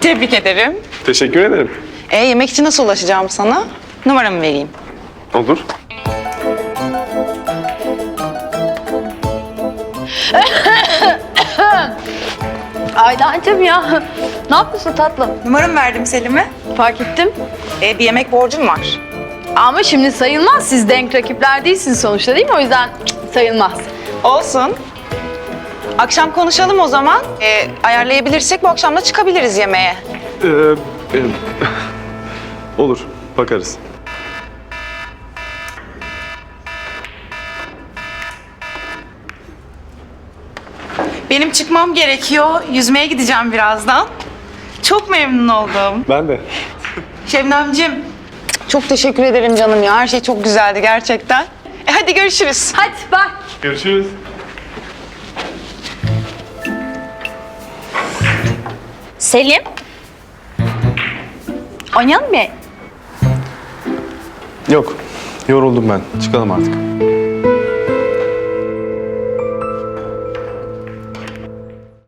Tebrik ederim. Teşekkür ederim. Yemek için nasıl ulaşacağım sana? Numaramı vereyim. Olur. Aydancığım ya. Ne yapıyorsun tatlım? Numaramı verdim Selim'e. Fark ettim. Bir yemek borcum var. Ama şimdi sayılmaz. Siz denk rakipler değilsiniz sonuçta değil mi? O yüzden sayılmaz. Olsun. Akşam konuşalım o zaman. Ayarlayabilirsek bu akşam da çıkabiliriz yemeğe. Olur. Bakarız. Benim çıkmam gerekiyor. Yüzmeye gideceğim birazdan. Çok memnun oldum. Ben de. Şebnemciğim, çok teşekkür ederim canım ya. Her şey çok güzeldi gerçekten. Hadi görüşürüz. Hadi bak. Görüşürüz. Selim. Oynayalım mı? Yok. Yoruldum ben. Çıkalım artık.